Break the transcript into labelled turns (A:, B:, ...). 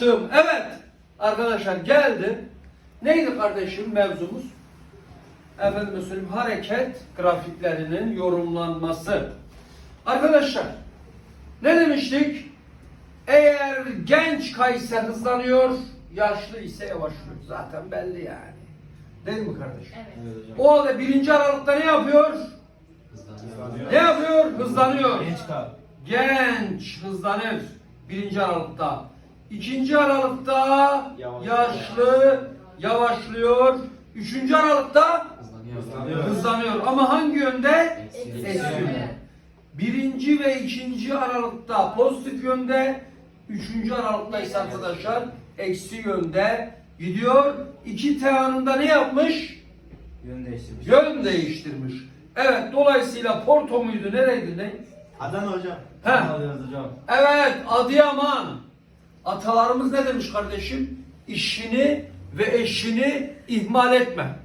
A: açtım. Evet arkadaşlar geldi. Neydi kardeşim mevzumuz? Efendim söyleyeyim, hareket grafiklerinin yorumlanması. Arkadaşlar ne demiştik? Eğer genç kayse hızlanıyor, yaşlı ise yavaşlıyor. Zaten belli yani. Değil mi kardeşim?
B: Evet.
A: O halde 1. Aralık'ta ne yapıyor?
B: Hızlanıyor.
A: Ne yapıyor? Hızlanıyor.
C: Genç kal.
A: Genç hızlanır 1. Aralık'ta. 2. Aralık'ta yaşlı yavaşlıyor. 3. Aralık'ta hızlanıyor. Ama hangi yönde? Eksi yönde. 1. ve 2. Aralık'ta pozitif yönde, 3. Aralık'ta ise arkadaşlar eksi yönde gidiyor. 2T anında ne yapmış?
C: Yön değiştirmiş.
A: Yön değiştirmiş. Evet, dolayısıyla Porto muydu? Nereydi? Ne?
D: Adana hocam.
A: Heh.
C: Alıyoruz hocam.
A: Evet, Adıyaman. Atalarımız ne demiş kardeşim? İşini ve eşini ihmal etme.